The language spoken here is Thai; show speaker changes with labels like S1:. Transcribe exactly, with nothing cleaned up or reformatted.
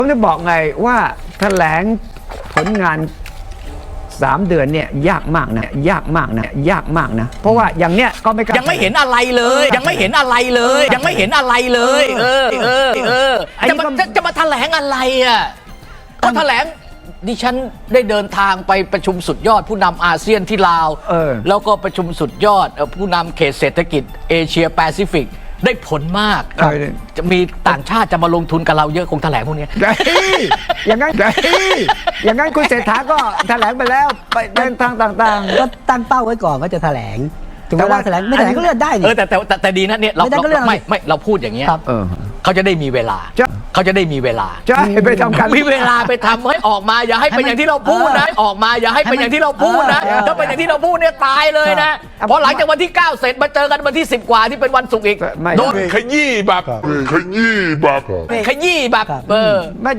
S1: ผมจะบอกไงว่าแถลงผลงานสามเดือนเนี่ยยากมากนะยากมากนะยากมากนะเพราะว่าอย่างเนี้ยก็ไม่กล้า
S2: ยังไม่เห็นอะไรเลย ยังไม่เห็นอะไรเลย ยังไม่เห็นอะไรเลย เออเออเออจะมาจะจะมาแถลงอะไรอ่ะก็แถลงดิฉันได้เดินทางไปประชุมสุดยอดผู้นำอาเซียนที่ลาว
S1: เออ
S2: แล้วก็ประชุมสุดยอดผู้นำเขตเศรษฐกิจเอเชียแปซิฟิกได้ผลมาก
S1: เออ
S2: จะมีต่างชาติจะมาลงทุนกับเราเยอะคงแถลงพวกนี้
S1: เฮ้ยอย่างนั้นเฮ้ยอย่างนั้นคุณเศรษฐาก็แถลงไปแล้วไปเดินทางต่าง
S3: ก็ตั้งเป้าไว้ก่อนว่าจะแถลงถึง
S1: แต่
S3: เว
S1: ว่า
S3: ลาแถลงไม่แถลงก็เลื่อนได้
S2: เอ
S3: นี่
S2: อแต่แต่แต่แต่ดีนะเนี่ยเรา
S3: ไม่ได้ก็เรื่อง
S2: ไม่ไม่เราพูดอย่างเงี้ย
S3: ครับ
S1: ๆเออ
S2: เขาจะได้มีเวลา
S1: จะ
S2: เขาจะได้มีเวลา
S1: จะให้ไปทำการ
S2: มีเวลาไปทำให้ออกมาอย่าให้เป็นอย่างที่เราพูดนะออกมาอย่าให้เป็นอย่างที่เราพูดนะ
S1: เออ
S2: ถ้าเป็นอย่างที่เราพูดเนี่ยตายเลยนะ
S1: ครับ
S2: เพราะหลังจากวันที่เก้าเสร็จมาเจอกันวันที่สิบกว่าที่เป็นวันศุกร์อีก
S1: ไม่
S2: โดน
S4: ขยี้แบบขยี้แบบ
S2: ขยี้แบบเออ
S1: ไม่